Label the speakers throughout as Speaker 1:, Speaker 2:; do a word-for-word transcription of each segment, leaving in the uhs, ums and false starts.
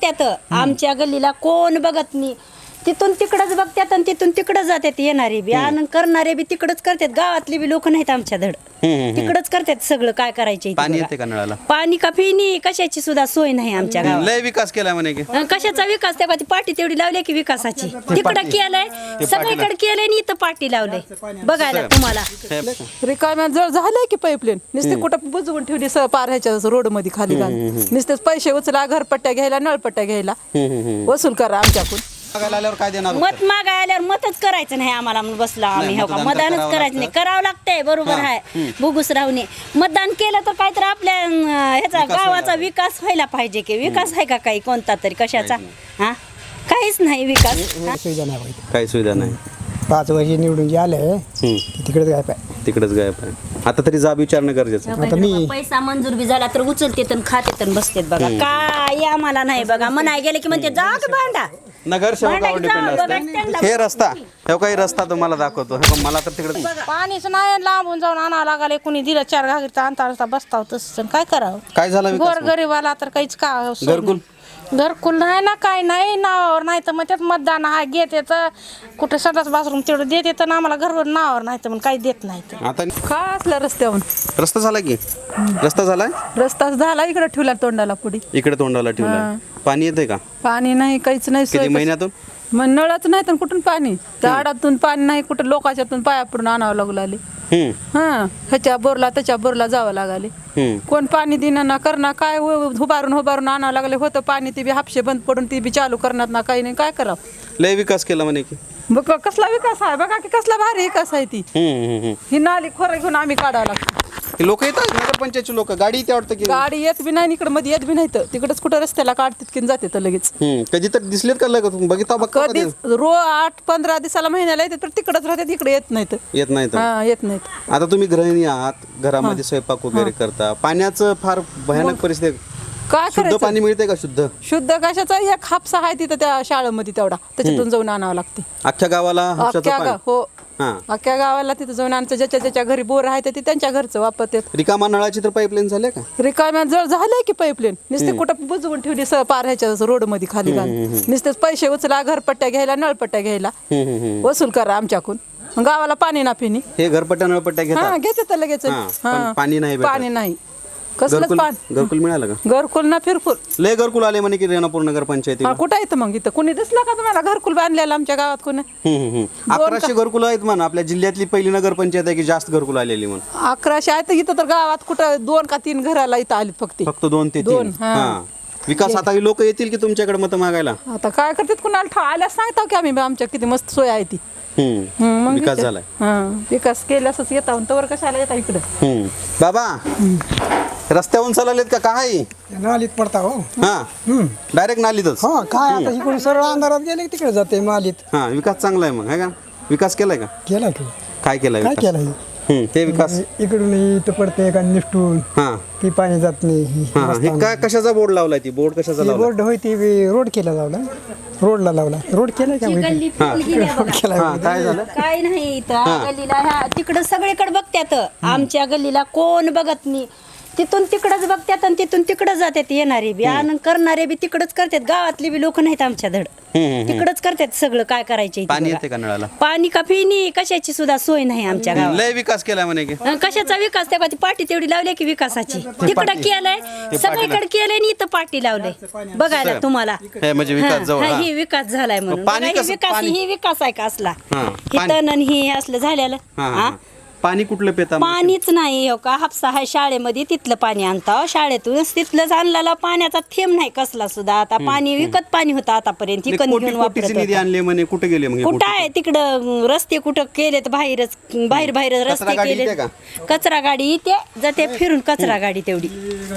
Speaker 1: बघत्यात आमच्या गल्लीला कोण बघत नाही तिथून तिकडच बघतात आणि तिथून तिकडच जातात येणारे बी आणि करणारे बी तिकडच करतात गावातली बी लोक नाहीत आमच्या धड तिकडच करतात सगळं काय करायचे
Speaker 2: पाणी येते का नळाला
Speaker 1: पाणी का पिणी कशाची सुद्धा सोय नाही आमच्या गावात
Speaker 2: लय विकास केला म्हणे की
Speaker 1: अं, कशाचा विकास त्या पाठी तेवढी लावली की विकासाची तिकडं केलंय सगळीकडे केलंय आणि इथं पाठी लावलंय बघायला तुम्हाला
Speaker 3: रिकाम्या जळ झालंय की पाईपलाईन नुसते कुठं बुजवून ठेवली स पार ह्याच्या रोड मध्ये खाली घालून नुसतेच पैसे उचला घरपट्ट्या घ्यायला नळपट्ट्या घ्यायला वसूल करा आमच्याकडून
Speaker 2: मागायला आल्यावर काय देणार
Speaker 1: मत मागाय आल्यावर मतच करायचं नाही आम्हाला म्हणून बसला आम्ही हो का
Speaker 2: मतदान
Speaker 1: मतदानच
Speaker 2: करावं
Speaker 1: करायचं नाही
Speaker 2: लागतं.
Speaker 1: करावं लागतंय बरोबर आहे बुगुस राहूने मतदान केलं तर काहीतरी आपल्या अं, ह्याचा
Speaker 2: विकास
Speaker 1: गावाचा
Speaker 2: व्हायला
Speaker 1: विकास व्हायला पाहिजे की विकास आहे का काही कोणता तरी कशाचा हा काहीच नाही विकास हा?
Speaker 4: सुविधा नाही पाहिजे
Speaker 2: काही सुविधा नाही
Speaker 4: पाच वर्ष निवडून जे आले तिकडेच काय पाय
Speaker 2: तिकडेच गायब आहे आता तरी जाब विचारणं गरजेचं आहे.
Speaker 4: आता मी-
Speaker 1: पैसा मंजूर बी झाला तर उचलते तर खाते तर बसतेत बघा काय आम्हाला नाही बघा म्हणाय गेले की म्हणते जा की भांडा
Speaker 2: नगरसेवकावर
Speaker 1: भांडा
Speaker 2: डिपेंड
Speaker 1: की जा,
Speaker 2: असते
Speaker 1: बघा,
Speaker 2: हे रस्ता हे काही रस्ता तुम्हाला दाखवतो हे बघ, मला तर तिकडे
Speaker 3: पाणीच नाही लांबून जाऊन आणावं लागले कुणी दिलं चार घागरीचा अंतर रस्ता बसताव तसं काय करावं
Speaker 2: काय झालं विकास
Speaker 3: गोर गरीबाला तर काहीच का सोय नाही.
Speaker 2: घरकुल
Speaker 3: घरकुल नाही ना काय नाही नावावर नाही तर मग त्यात मतदान हा घेते तर कुठे सदाच बाथरूम तेवढं देते तर आम्हाला घरवर नावावर नाही तर मग काही देत नाही तर
Speaker 2: आता
Speaker 3: का असला रस्त्यावरून
Speaker 2: रस्ता झाला की रस्ता झालाय
Speaker 3: रस्ता झाला इकडे ठेवला तोंडाला पुढे
Speaker 2: इकडे तोंडाला ठेवला पाणी येते का
Speaker 3: पाणी नाही काहीच नाही सोय
Speaker 2: किती
Speaker 3: कशी-
Speaker 2: महिन्यातून
Speaker 3: मग नळाच नाही तर कुठून पाणी झाडातून पाणी नाही कुठं लोकांच्यातून पाया पडून आणावं लागू लागले
Speaker 2: हम्म
Speaker 3: हा ह्याच्या बोरला त्याच्या बोरला जावं लागले
Speaker 2: हम्म
Speaker 3: कोण पाणी देणार ना करणार काय उ- उभारून उभारून आणावं लागले होतं पाणी ती बी हापशे बंद पडून ती बी चालू करणार ना काही नाही काय करावं
Speaker 2: लय विकास केला म्हणे की
Speaker 3: बघ कसला विकास आहे बघा की कसला भारी विकास आहे ती
Speaker 2: हम्म हम्म हम्म
Speaker 3: ही नाली खोरं घेऊन आम्ही काढावं लागतो
Speaker 2: लोक येतात नगरपंचायतची लोक गाडी इथे वाटतं की
Speaker 3: गाडी येत बी नाही इकडे मध्ये येत बी नाही तर तिकडच कुठं रस्त्याला काढतात की जाते तर लगेच
Speaker 2: हम्म कधी तर दिसलेत का लगेच बघितला बघ
Speaker 3: कधीच रो आठ पंधरा दिवसाला महिन्याला येते तर तिकडच राहतात इकडे येत नाहीत
Speaker 2: येत नाही तर
Speaker 3: हा येत नाहीत
Speaker 2: आता तुम्ही गृहिणी आहात घरामध्ये स्वयंपाक वगैरे करता पाण्याचं फार भयानक परिस्थिती
Speaker 3: काय
Speaker 2: शुद्ध
Speaker 3: करायचं
Speaker 2: पाणी मिळते का शुद्ध
Speaker 3: शुद्ध कशाचा एक हापसा आहे तिथं त्या शाळेमध्ये तेवढा त्याच्यातून जाऊन आणावं लागते
Speaker 2: अख्ख्या गावाला हापशाचं
Speaker 3: अख्ख्या
Speaker 2: पाणी
Speaker 3: गा- हो
Speaker 2: हा
Speaker 3: अख्ख्या गावाला तिथं जाऊन आणायचं ज्याच्या ज्याच्या घरी बोर आहे ते त्यांच्या घरचं वापरतात
Speaker 2: रिकामा नळाची तर पाईपलाईन झाल्या का
Speaker 3: रिकाम्या जळ झालंय की पाईपलाईन नुसते कुठं बुजवून ठेवली स पार ह्याच्या रोड मध्ये खाली घालून नुसतेच पैसे उचला घरपट्ट्या घ्यायला नळपट्ट्या घ्यायला
Speaker 2: हम्म, हम्म, हम्म.
Speaker 3: वसूल करा आमच्याकडून मग गावाला पाणी ना पिणी
Speaker 2: हे घरपट्ट्या नळपट्ट्या
Speaker 3: हा
Speaker 2: घेतात
Speaker 3: घेते तर लगेच
Speaker 2: हा, पण पाणी नाही भेटत.
Speaker 3: पाणी नाही कसलंच
Speaker 2: घरकुल
Speaker 3: पाणी
Speaker 2: घरकुल मिळालं का
Speaker 3: घरकुल ना फिरफुल
Speaker 2: लय घरकुल आले म्हणे की रेणापूर नगर पंचायती
Speaker 3: हा कुठं येतं मग इथं कुणी दिसलं का तुम्हाला घरकुल बांधलेलं आमच्या गावात कोणी
Speaker 2: अकराशे घरकुल आहेत म्हणा आपल्या जिल्ह्यातली पहिली नगर पंचायत आहे की जास्त घरकुल आलेली म्हणून
Speaker 3: अकराशे आहे तर इथं तर गावात कुठं दोन का तीन घराला इथं आलीत फक्त
Speaker 2: फक्त दोन ते
Speaker 3: दोन,
Speaker 2: तीन
Speaker 3: हा.
Speaker 2: हा विकास आता लोक येतील की तुमच्याकडे मत मागायला
Speaker 3: आता काय करतात कुणाला ठा आल्यास सांगतो की आम्ही आमच्या किती मस्त सोय आहे ती
Speaker 2: हम्म.
Speaker 3: हं, मग
Speaker 2: विकास
Speaker 3: इथे-
Speaker 2: झालाय
Speaker 3: हं, विकास केल्यासच येता तवर कशाला येता इकडं
Speaker 2: हम्म. बाबा रस्त्यावरून चाललेत का काय
Speaker 4: नालीत पडता हो
Speaker 2: हा डायरेक्ट नालीतच
Speaker 4: हा काय आता इकडून सरळ अंधारात गेले की तिकडे जाते मालीत
Speaker 2: हा विकास चांगला आहे मग आहे का विकास केलाय का
Speaker 4: केला की
Speaker 2: काय केलाय
Speaker 4: काय
Speaker 2: विकास?
Speaker 4: केलं
Speaker 2: हम्म, ते विकास
Speaker 4: इकडून इथं पडते का निष्ठून
Speaker 2: हा
Speaker 4: ती पाणी जात नाही
Speaker 2: हा हे काय कशाचा बोर्ड लावलाय ती बोर्ड कशाचा लावलाय
Speaker 4: रोड होय ती बी रोड केला लावला रोडला लावला रोड केला का
Speaker 1: गल्ली फुल गेल्या बघा.
Speaker 4: केला
Speaker 2: हा काय झालं
Speaker 1: काय नाही इथं गल्लीला ह्या तिकडं सगळीकडे बघत्यात आमच्या गल्लीला कोण बघत नाही तिथून तिकडच बघतात आणि तिथून तिकडच जातात येणारे बी आणि करणारे बी तिकडच करतात गावातली बी लोक नाहीत आमच्या धड तिकडच करतात सगळं काय करायचे
Speaker 2: पाणी येते का नळाला
Speaker 1: पाणी का पिणी कशाची सुद्धा सोय नाही आमच्या गावात
Speaker 2: लय विकास केलाय म्हणे की
Speaker 1: अं, कशाचा विकास त्या पाठी तेवढी लावली की विकासाची तिकडं केलंय सगळीकडे केलंय आणि इथं पाठी लावलंय बघायला तुम्हाला
Speaker 2: हे म्हणजे विकास जवळ
Speaker 1: हा,
Speaker 2: हा.
Speaker 1: ही विकास झालाय म्हणून
Speaker 2: पाणी
Speaker 1: बघा, ही
Speaker 2: कसं-
Speaker 1: विकास
Speaker 2: पाणी-
Speaker 1: ही विकास आहे का असला
Speaker 2: हा,
Speaker 1: ही
Speaker 2: पाणी-
Speaker 1: तण आणि ही असलं झालेलं
Speaker 2: हा, हा,
Speaker 1: हा?
Speaker 2: हा. पाणी कुठलं पेता मग?
Speaker 1: पाणीच नाही हो का हापसा आहे शाळेमध्ये तिथलं पाणी आणता शाळेतूनच तिथलंच आणलेला पाण्याचा थेंब नाही कसला सुद्धा आता पाणी विकत पाणी होतं आतापर्यंत
Speaker 2: नाही,
Speaker 1: इकत
Speaker 2: कोटी
Speaker 1: घेऊन
Speaker 2: कोटीचे
Speaker 1: वापरत
Speaker 2: निधी
Speaker 1: होता.
Speaker 2: आणले म्हणे कुठे गेले मग हे
Speaker 1: कुठं
Speaker 2: कोटी?
Speaker 1: आहे तिकडं रस्ते कुठं केलेत बाहेरच बाहेर बाहेर
Speaker 2: कचरा
Speaker 1: रस्ते
Speaker 2: गाडी
Speaker 1: केले
Speaker 2: येते का?
Speaker 1: कचरा गाडी येते जाते फिरून कचरा गाडी तेवढी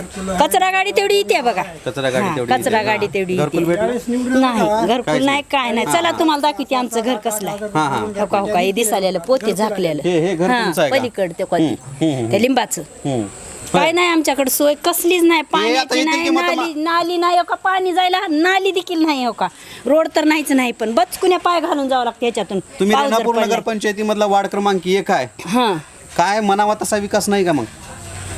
Speaker 1: कचरा गाडी तेवढी येते बघा
Speaker 2: कचरा गाडी
Speaker 1: हा,
Speaker 2: तेवढी
Speaker 1: कचरा
Speaker 2: येते.
Speaker 1: गाडी
Speaker 2: हा.
Speaker 1: तेवढी
Speaker 2: घरकुल
Speaker 1: येते
Speaker 2: भेटलं?
Speaker 1: नाही घरकुल नाही काय नाही चला तुम्हाला दाखवते आमचं घर कसलं आहे
Speaker 2: हा, हा.
Speaker 1: हो का हो का हे दिसालेलं पोते झाकलेलं
Speaker 2: हे- हे घर
Speaker 1: हा,
Speaker 2: तुमचं आहे का?
Speaker 1: पलीकडं ते कोणती त्या लिंबाचं
Speaker 2: हम्म.
Speaker 1: काय नाही आमच्याकडे सोय कसलीच नाही पाण्याची
Speaker 2: येतील
Speaker 1: नाही
Speaker 2: की मग
Speaker 1: नाली नाली नाही हो का पाणी जायला नाली देखील नाही हो का रोड तर नाहीच नाही पण बचकुन्या पाय घालून जावं लागतं याच्यातून
Speaker 2: तुम्ही
Speaker 1: पाऊस जर
Speaker 2: रेणापूर
Speaker 1: पडला.
Speaker 2: नगर पंचायतीमधला वार्ड क्रमांक एक आहे
Speaker 1: हा
Speaker 2: काय मनावा तसा विकास नाही का मग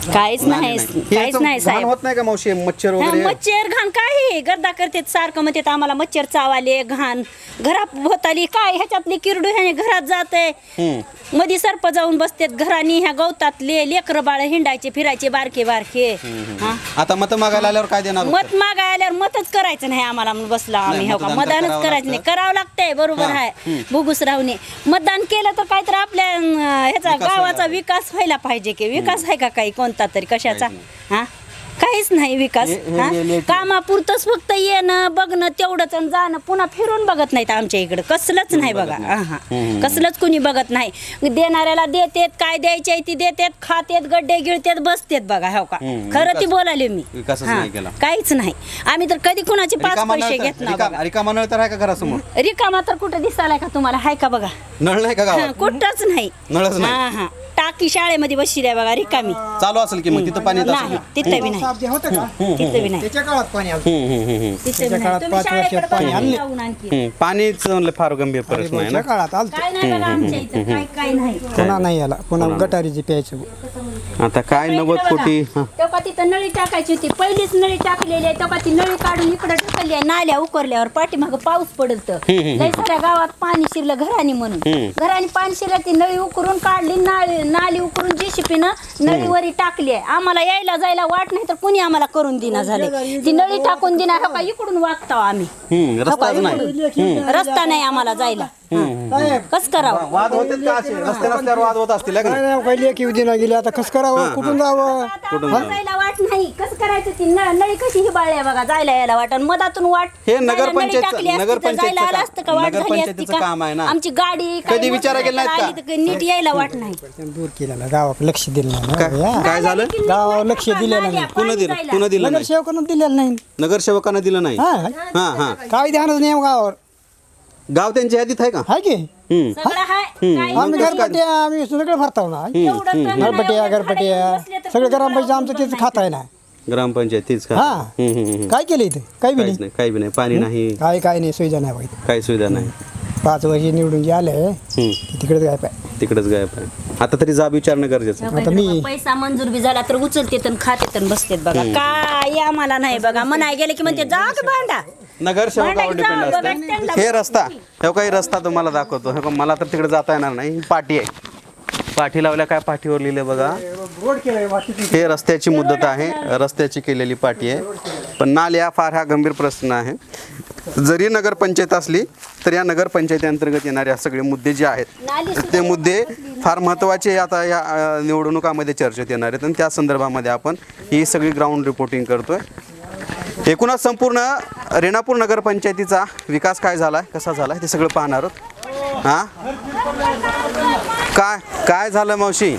Speaker 1: काहीच नाही काहीच नाही साहेब
Speaker 2: होत नाही का मावशी मच्छर
Speaker 1: हा,
Speaker 2: वगैरे
Speaker 1: मच्छर घाण काय गर्दा करतात सारखं म्हणतात आम्हाला मच्छर चावाले घाण घरात होताली काय ह्याच्यातली किरडू ह्याने घरात जाते मधी सर्प जाऊन बसतात घरानी ह्या गवतातले लेकर बाळ हिंडायचे फिरायचे बारके बारके हा.
Speaker 2: आता मत मागायला आल्यावर काय देणार
Speaker 1: मत मागाय आल्यावर मतच करायचं नाही आम्हाला म्हणून बसला आम्ही
Speaker 2: नाही,
Speaker 1: हो का
Speaker 2: मतदान
Speaker 1: मतदानच
Speaker 2: करावं
Speaker 1: करायचं नाही
Speaker 2: लागतं.
Speaker 1: करावं लागतंय बरोबर
Speaker 2: हा.
Speaker 1: आहे भुगूस राहूने मतदान केलं तर काहीतरी आपल्या अं, ह्याचा
Speaker 2: विकास
Speaker 1: गावाचा
Speaker 2: व्हायला
Speaker 1: विकास व्हायला पाहिजे की विकास आहे का काही कोणता तरी कशाचा हा काहीच नाही विकास
Speaker 2: हे- हे-
Speaker 1: हा?
Speaker 2: हे लेट-
Speaker 1: कामापुरतंच फक्त येणं बघणं तेवढंच आणि जाणं पुन्हा फिरून बघत नाहीत आमच्या इकडे कसलंच नाही बघा हा कसलंच कुणी बघत नाही देणाऱ्याला देतेत काय द्यायचे ती देतेत खातेत गड्डे गिळतेत बसतेत बघा हो का
Speaker 2: हम्म,
Speaker 1: खरं ती
Speaker 2: विकास-
Speaker 1: बोलाले मी
Speaker 2: विकासच
Speaker 1: हा,
Speaker 2: नाही केला.
Speaker 1: काहीच नाही आम्ही तर कधी कुणाचे पाच
Speaker 2: रिकामा
Speaker 1: पैसे
Speaker 2: नळ
Speaker 1: घेत
Speaker 2: तर-
Speaker 1: ना
Speaker 2: रिकामा- रिकामा नळ तर आहे का घरासमोर
Speaker 1: रिकामा तर कुठं दिसायला का तुम्हाला हाय का बघा
Speaker 2: नळ नाही का
Speaker 1: हा,
Speaker 2: गावात
Speaker 1: कुठंच नाही
Speaker 2: नळच नाही.
Speaker 1: हा हा टाकी शाळेमध्ये बसली आहे बघा रिकामी
Speaker 2: चालू असेल की मग तिथं पाणी येत असेल
Speaker 1: नाही
Speaker 2: ना?
Speaker 1: तिथं बी नाही
Speaker 4: साप जे होतं का
Speaker 1: तिथं बी नाही
Speaker 4: त्याच्या काळात पाणी आलं
Speaker 2: हम्म, हम्म, हम्म, हम्म.
Speaker 1: तिथं बी
Speaker 4: त्याच्या
Speaker 1: नाही
Speaker 4: काळात
Speaker 1: तुम्ही
Speaker 4: पाच वर्षात
Speaker 1: शाळेकडे
Speaker 4: पाणी
Speaker 1: बघा
Speaker 4: आणले.
Speaker 1: जाऊन आणखी
Speaker 2: हम्म, पाणीच म्हणलं फार गंभीर प्रश्न आहे ना
Speaker 4: त्या काळात आलं
Speaker 1: काय नाही बघा आमच्या इथं काय काय नाही
Speaker 4: पुन्हा नाही आला पुन्हा गटारीची प्यायचं
Speaker 2: आता काय नव्वद कोटी हा.
Speaker 1: तेव्हा तिथं नळी टाकायची होती पहिलीच नळी टाकलेली आहे तेव्हा ती नळी काढून इकडे टाकली आहे नाल्या उकरल्यावर पाठीमाग पाऊस पडल तर लय साऱ्या गावात पाणी शिरलं घरानी म्हणून घरानी पाणी शिरलं ती नळी उकरून काढली नाळी नाली उकरून जेसीपीनं नळीवरी टाकली आहे आम्हाला यायला जायला वाट नाही तर कुणी आम्हाला करून दिना झाले ती नळी टाकून दिना हो का इकडून वागताव आम्ही
Speaker 2: हम्म,
Speaker 1: हो का,
Speaker 2: रस्ताच नाही
Speaker 1: इकडून. रस्ता नाही आम्हाला जायला कस करावं
Speaker 2: वाद होते का असे रस्ते नसल्यावर वाद होत असतील है का नाही?
Speaker 4: नाही काही लेखी उदिना गेली आता कसं करावं कुठून जावं
Speaker 1: आता जायला वाट नाही कसं करायचं ती न- नळी कशी हिबाळली आहे बघा जायला यायला वाट आणि मधातून वाट
Speaker 2: हे
Speaker 1: जायला नळी
Speaker 2: नगरपंचायतचं-
Speaker 1: टाकली असती तर
Speaker 2: नगरपंचायतचं
Speaker 1: जायला आलं
Speaker 2: काम-
Speaker 1: असतं का वाट झाली असती
Speaker 2: नगरपंचायतीचं
Speaker 1: का
Speaker 2: काम आहे ना.
Speaker 1: आमची गाडी काय
Speaker 2: कधी विचारा
Speaker 1: मोटर
Speaker 2: केला नाहीत का?
Speaker 1: आली तर नीट यायला वाट नाही
Speaker 4: दूर केलेला गावात लक्ष दिलं नाही
Speaker 2: काय
Speaker 4: ना. या.
Speaker 2: काय झालं
Speaker 4: गावावर लक्ष दिलेलं नाही
Speaker 2: पुन्हा दिलं पुन्हा दिलं नाही
Speaker 4: नगरसेवकांना दिलेलं नाही
Speaker 2: नगरसेवकांना दिलं नाही
Speaker 4: हा
Speaker 2: हा हा
Speaker 4: काय ध्यानच नाही हो गावावर
Speaker 2: गाव त्यांच्या यादीत आहे का
Speaker 4: हाय की
Speaker 2: हम्म.
Speaker 1: सगळं हाय काय
Speaker 4: आम्ही घरपट्या आम्ही सगळं भरताव ना
Speaker 1: एवढं तर नाही,
Speaker 4: घरपट्या
Speaker 1: एवढं
Speaker 4: घरपट्या
Speaker 1: बसले तर
Speaker 4: सगळं
Speaker 1: कोणी
Speaker 4: ग्रामपंचायत आमचं
Speaker 1: गावात
Speaker 4: तेच खात आहे ना
Speaker 2: ग्रामपंचायत तीच का
Speaker 4: हा.
Speaker 2: हम्म, हम्म, हम्म.
Speaker 4: काय केलं इथं काय बी
Speaker 2: काहीच
Speaker 4: नाही
Speaker 2: नाही काही बी नाही पाणी नाही
Speaker 4: काय काय नाही सुविधा नाही बघ इथं.
Speaker 2: काही सुविधा नाही
Speaker 4: पाच वर्ष निवडून जे आले
Speaker 2: हम्म.
Speaker 4: तिकडे काय पाय
Speaker 2: तिकडेच गायब आहे आता तरी जाब विचारणं गरजेचं आहे.
Speaker 4: आता मी
Speaker 1: पैसा मंजूर बी झाला तर उचलते तर खाते तर बसतेत बघा काय आम्हाला नाही बघा म्हणाय गेले की म्हणते जा की भांडा
Speaker 2: नगरसेवकावर
Speaker 1: भांडा
Speaker 2: डिपेंड
Speaker 1: जाऊ बघा,
Speaker 2: असतं
Speaker 1: त्यांना
Speaker 2: हे रस्ता हे काही रस्ता तुम्हाला दाखवतो हे मला तर तिकडे जाता येणार नाही ही पाटी आहे पाठी लावल्या काय पाठीवर लिहिलं बघा
Speaker 4: रोड केलाय
Speaker 2: हे रस्त्याची मुदत आहे रस्त्याची केलेली पाटी आहे पण नाल्या फार हा गंभीर प्रश्न आहे जरी नगरपंचायत असली तर या नगरपंचायतीअंतर्गत येणारे सगळे मुद्दे जे आहेत ते मुद्दे फार महत्त्वाचे आता या अ, निवडणुकामध्ये चर्चेत येणार आहेत आणि त्या संदर्भामध्ये आपण ही सगळी ग्राउंड रिपोर्टिंग करतोय एकूणच संपूर्ण रेणापूर नगरपंचायतीचा विकास काय झाला आहे कसा झाला आहे ते सगळं पाहणार आहोत हां काय काय झालं मावशी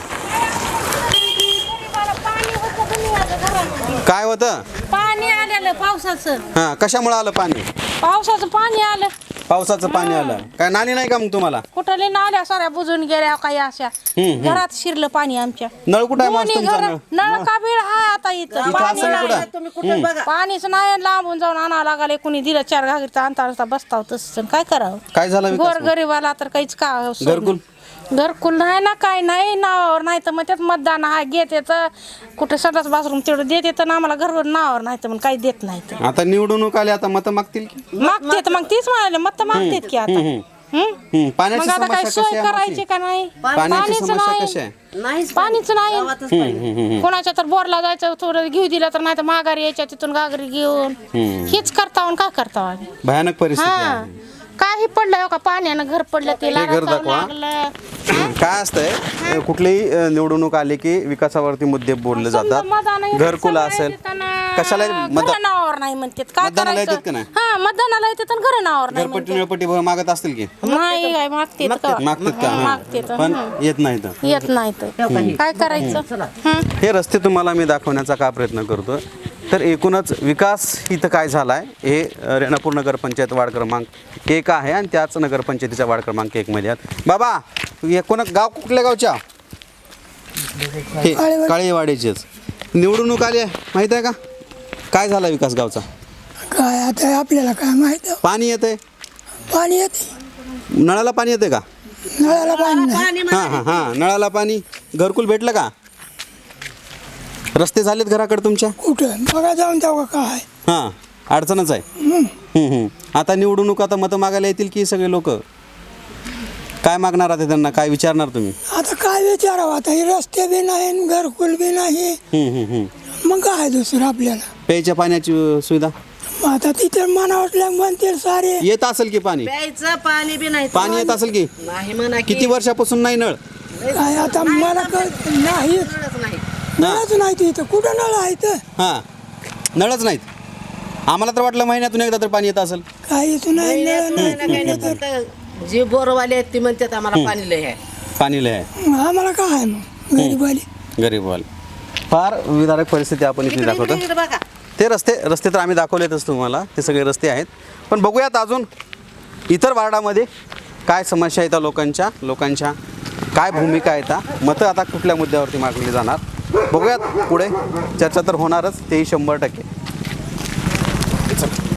Speaker 2: काय होतं
Speaker 5: पाणी आलेलं पावसाचं
Speaker 2: हां कशामुळे आलं पाणी
Speaker 5: पावसाचं पाणी आलं
Speaker 2: पावसाचं पाणी आलं काय नाली नाही का मग तुम्हाला
Speaker 5: कुठले नाल्या साऱ्या बुजून गेल्या काही अशा घरात शिरलं पाणी आमच्या
Speaker 2: नळ कुठं आहे मावशी
Speaker 5: दोन्ही
Speaker 2: तुमचा
Speaker 5: घर
Speaker 2: नळ
Speaker 5: नळ का बीड हाय आता इथं
Speaker 2: इथं
Speaker 5: पाणी
Speaker 2: असेल
Speaker 5: नाही.
Speaker 2: कुठं
Speaker 5: पाणीच नाही लांबून जाऊन आणावं लागले कुणी दिलं चार घागरीचा अंतर बसताव तसं काय करावं
Speaker 2: काय झालं विकास
Speaker 5: गोर गरीबाला तर काहीच का सोय नाही.
Speaker 2: घरकुल
Speaker 5: घरकुल नाही ना काय नाही नावावर नाही तर मग त्यात मतदान आहे घेत येतं कुठे सदाच बाथरूम तेवढं देत येतं ना आम्हाला घरवर नावावर नाही तर मग काही देत नाही तर
Speaker 2: आता निवडणूक आली आता मतं मागतील की
Speaker 5: मागतेत मग तीच म्हणाले मत तर मागतेत की आता हम्म?
Speaker 2: हम्म, पाण्याची
Speaker 5: मग आता काय
Speaker 2: समस्या
Speaker 5: सोय
Speaker 2: कशी आहे
Speaker 5: करायची
Speaker 2: मावशी?
Speaker 5: का नाही
Speaker 2: पाण्याची
Speaker 5: पाणीच
Speaker 2: समस्या कशी
Speaker 5: नाही
Speaker 2: आहे
Speaker 5: पाणीच नाही कोणाच्या तर बोरला जायचं थोडं घेऊ दिलं तर नाही तर माघारी यायच्या तिथून गागरी घेऊन हेच करता का करता आम्ही
Speaker 2: भयानक परिस्थिती
Speaker 5: हा
Speaker 2: आहे
Speaker 5: काही पडलं हो का पाण्यानं घर पडलं ते
Speaker 2: हे घर
Speaker 5: लागायचं
Speaker 2: दाखवा.
Speaker 5: लागलं
Speaker 2: काय असतंय कुठलीही अ, निवडणूक आली की विकासावरती मुद्दे बोलले जातात
Speaker 5: मतदान
Speaker 2: घरकुल असेल कशाला मत
Speaker 5: घर नावावर नाही म्हणतात काय
Speaker 2: मतदानाला येतात
Speaker 5: करायचं
Speaker 2: का नाही?
Speaker 5: हा मतदानाला येतात आणि घर नावावर नाही
Speaker 2: घरपट्टी निळपट्टी मागत असतील की
Speaker 5: म्हणतात. नाही काय मागते
Speaker 2: मागतात का हा.
Speaker 5: मागतेत,
Speaker 2: पण येत नाही तर
Speaker 5: येत नाही तर काय करायचं हं?
Speaker 2: हे रस्ते तुम्हाला मी दाखवण्याचा का प्रयत्न करतो तर एकूणच विकास इथं काय झाला आहे हे अ, रेणापूर नगरपंचायत वार्ड क्रमांक एक आहे आणि त्याच नगरपंचायतीच्या वार्ड क्रमांक एकमध्ये आहेत बाबा हे कोणा गाव कुठल्या गावच्या हे काळेवाडीचेच निवडणूक आली आहे माहीत आहे का काय झाला विकास गावचा
Speaker 6: काय आता आपल्याला काय माहित आहे?
Speaker 2: पाणी येतंय
Speaker 6: पाणी येते
Speaker 2: नळाला पाणी येते का
Speaker 6: नळाला पाणी नाही
Speaker 2: हां हां हां नळाला पाणी घरकुल भेटलं का रस्ते झालेत घराकडे तुमच्या?
Speaker 6: कुठं बघा जाऊन तेव्हा काय
Speaker 2: हां, अडचणच आहे. हम्म, हम्म. आता निवडणूक, आता मतं मागायला येतील की सगळे लोक? काय मागणार आता त्यांना, काय विचारणार तुम्ही?
Speaker 6: आता काय विचारावं, आता हे रस्ते बी नाही घरकुल बी नाही,
Speaker 2: हम्म, हम्म, हम्म.
Speaker 6: मग काय दुसरं आपल्याला.
Speaker 2: प्यायच्या पाण्याची अ, सुविधा
Speaker 6: मग आता तिथे मनावटल्या म्हणतील सारे.
Speaker 2: येत असेल की पाणी?
Speaker 7: प्यायचं पाणी बी नाही
Speaker 2: पाणी येत असेल की?
Speaker 7: नाही म्हणा की
Speaker 2: किती वर्षापासून नाही नळ?
Speaker 6: काय आता मला कळत नाही,
Speaker 7: नाही
Speaker 6: नळच नाही तिथं. कुठं नळ आहे तर
Speaker 2: हां, नळच नाहीत. आम्हाला तर वाटलं महिन्यातून एकदा तर पाणी येत असेल.
Speaker 6: काही इथून नाही नळ
Speaker 7: नाही ना काही नाही तर जे बोरवाले आहेत ते म्हणतात आम्हाला पाणी लय आहे.
Speaker 2: पाणी लय आहे.
Speaker 6: मग आम्हाला काय आहे मग गरीबाली.
Speaker 2: गरीबवाल फार विदारक परिस्थिती आपण इथे दाखवतो.
Speaker 7: इकडे बघा
Speaker 2: ते रस्ते रस्ते तर आम्ही दाखवलेतच तुम्हाला, ते सगळे रस्ते आहेत. पण बघूयात अजून इतर वार्डामध्ये काय समस्या येतात लोकांच्या लोकांच्या काय भूमिका येतात, मतं आता कुठल्या मुद्द्यावरती मागली जाणार, बघूयात. पुढे चर्चा तर होणारच, तेही शंभर टक्के.